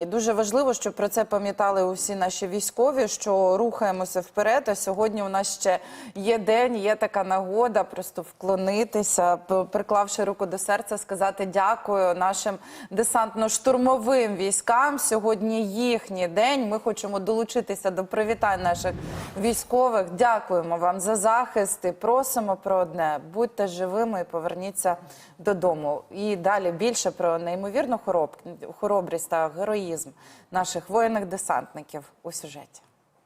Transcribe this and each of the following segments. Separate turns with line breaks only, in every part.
І дуже важливо, щоб про це пам'ятали усі наші військові, що рухаємося вперед, а сьогодні у нас ще є день, є така нагода просто вклонитися, приклавши руку до серця, сказати дякую нашим десантно-штурмовим військам. Сьогодні їхній день, ми хочемо долучитися до привітань наших військових. Дякуємо вам за захист і просимо про одне – будьте живими і поверніться додому. І далі більше про неймовірну хоробрість та героїзм наших воїнних-десантників у сюжеті.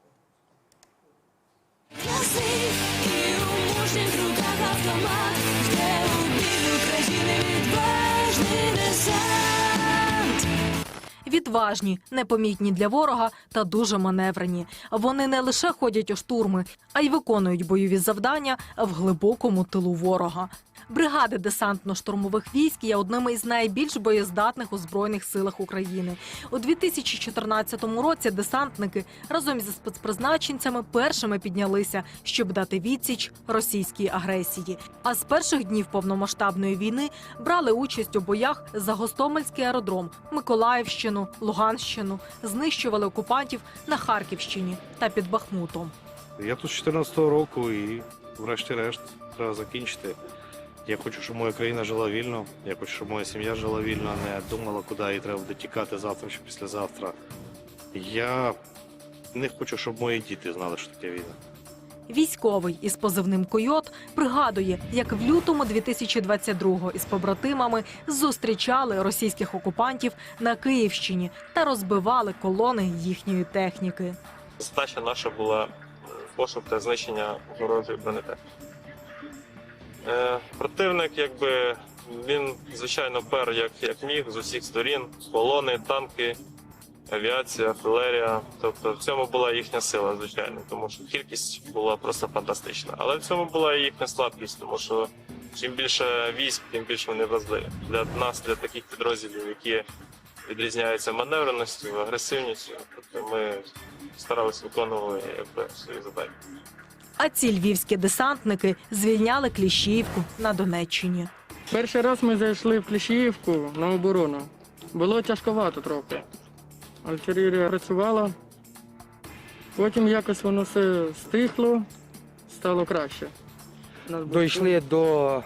Відважні, непомітні для ворога та дуже маневрені. Вони не лише ходять у штурми, а й виконують бойові завдання в глибокому тилу ворога. Бригади десантно-штурмових військ є одними із найбільш боєздатних у Збройних силах України. У 2014 році десантники разом зі спецпризначенцями першими піднялися, щоб дати відсіч російській агресії. А з перших днів повномасштабної війни брали участь у боях за Гостомельський аеродром, Миколаївщину, Луганщину, знищували окупантів на Харківщині та під Бахмутом.
Я тут з 14-го року і врешті-решт треба закінчити. Я хочу, щоб моя країна жила вільно, я хочу, щоб моя сім'я жила вільно, а не думала, куди їй треба буде тікати завтра чи післязавтра. Я не хочу, щоб мої діти знали, що таке війна.
Військовий із позивним «Койот» пригадує, як в лютому 2022-го із побратимами зустрічали російських окупантів на Київщині та розбивали колони їхньої техніки.
Задача наша була пошук та знищення ворожої бронетехніки. Противник, він, звичайно, пер як міг з усіх сторін. Колони, танки, авіація, артилерія. Тобто в цьому була їхня сила, звичайно, тому що кількість була просто фантастична. Але в цьому була і їхня слабкість, тому що чим більше військ, тим більше вони вразливі. Для нас, для таких підрозділів, які відрізняються маневреністю, агресивністю, тобто ми старалися виконувати свої задачі.
А ці львівські десантники звільняли Кліщіївку на Донеччині.
Перший раз ми зайшли в Кліщіївку на оборону. Було тяжковато трохи. Артилерія працювала, потім якось воно все стихло, стало краще.
Дійшли до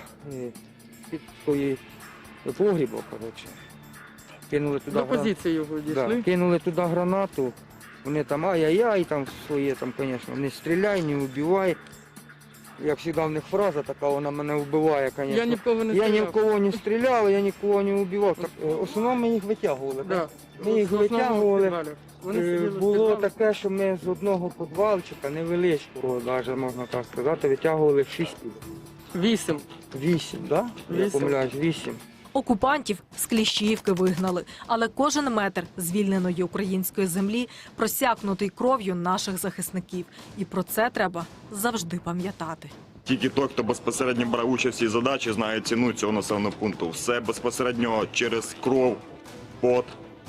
погрібу, коротше. Кинули туди
До позиції його дійшли.
Да, кинули туди гранату. Вони там ай-яй-яй, там своє, там, звісно, не стріляй, не вбивай. Як завжди в них фраза така, вона мене вбиває, звісно.
Я ні в кого не стріляв.
Я ні в кого не стріляв, я нікого не вбивав. Так, в основному ми їх витягували.
Да.
Ми їх витягували. Було
в
таке, що ми з одного підвалчика, невеличкого, навіть можна так сказати, витягували 6 пів.
8.
8, так? Да? Я помиляюсь, 8.
Окупантів з Кліщіївки вигнали, але кожен метр звільненої української землі просякнутий кров'ю наших захисників. І про це треба завжди пам'ятати.
Тільки той, хто безпосередньо брав участь в цій задачі, знає ціну цього населеного пункту. Все безпосередньо через кров, пот,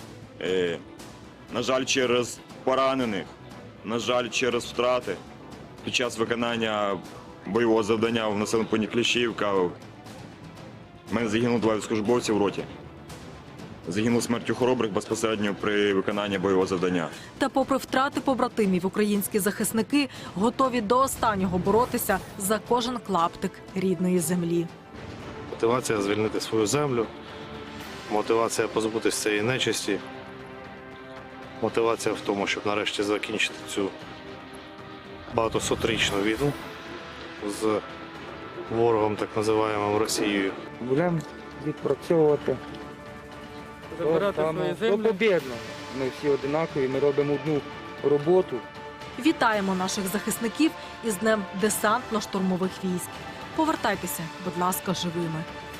на жаль, через поранених, на жаль, через втрати. Під час виконання бойового завдання в населеному пункті Кліщіївка в мене загинуло 2 військовослужбовці в роті. Загинув смертю хоробрих безпосередньо при виконанні бойового завдання.
Та попри втрати побратимів, українські захисники готові до останнього боротися за кожен клаптик рідної землі.
Мотивація звільнити свою землю, мотивація позбутися цієї нечисті, мотивація в тому, щоб нарешті закінчити цю багатосотрічну війну з ворогом, так називаємим Росією.
Будемо відпрацьовувати.
Забирати свої землі.
Побєдно. Ми всі одинакові, ми робимо одну роботу.
Вітаємо наших захисників із Днем десантно-штурмових військ. Повертайтеся, будь ласка, живими.